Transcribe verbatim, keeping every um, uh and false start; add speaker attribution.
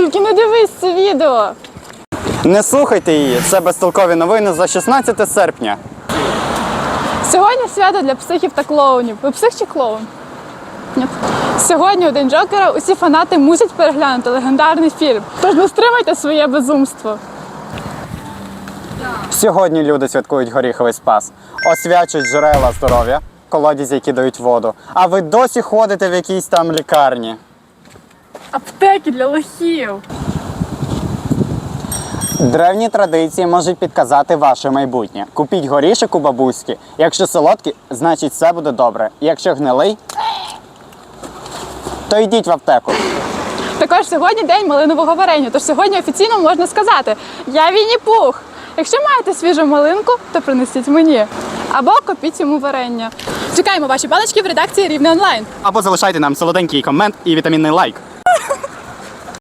Speaker 1: Тільки не дивись це відео.
Speaker 2: Не слухайте її, це безтолкові новини за шістнадцяте серпня.
Speaker 1: Сьогодні свято для психів та клоунів. Ви псих чи клоун? Ні. Сьогодні у День Джокера усі фанати мусять переглянути легендарний фільм. Тож не стримайте своє безумство.
Speaker 2: Сьогодні люди святкують горіховий спас, освячують джерела здоров'я, колодязі, які дають воду. А ви досі ходите в якійсь там лікарні.
Speaker 1: Аптеки для лохів.
Speaker 2: Древні традиції можуть підказати ваше майбутнє. Купіть горішок у бабуськи. Якщо солодкий, значить все буде добре. Якщо гнилий, то йдіть в аптеку.
Speaker 1: Також сьогодні день малинового варення, тож сьогодні офіційно можна сказати «Я Вінні-Пух». Якщо маєте свіжу малинку, то принесіть мені. Або купіть йому варення. Чекаємо ваші баночки в редакції Рівне онлайн.
Speaker 2: Або залишайте нам солоденький комент і вітамінний лайк.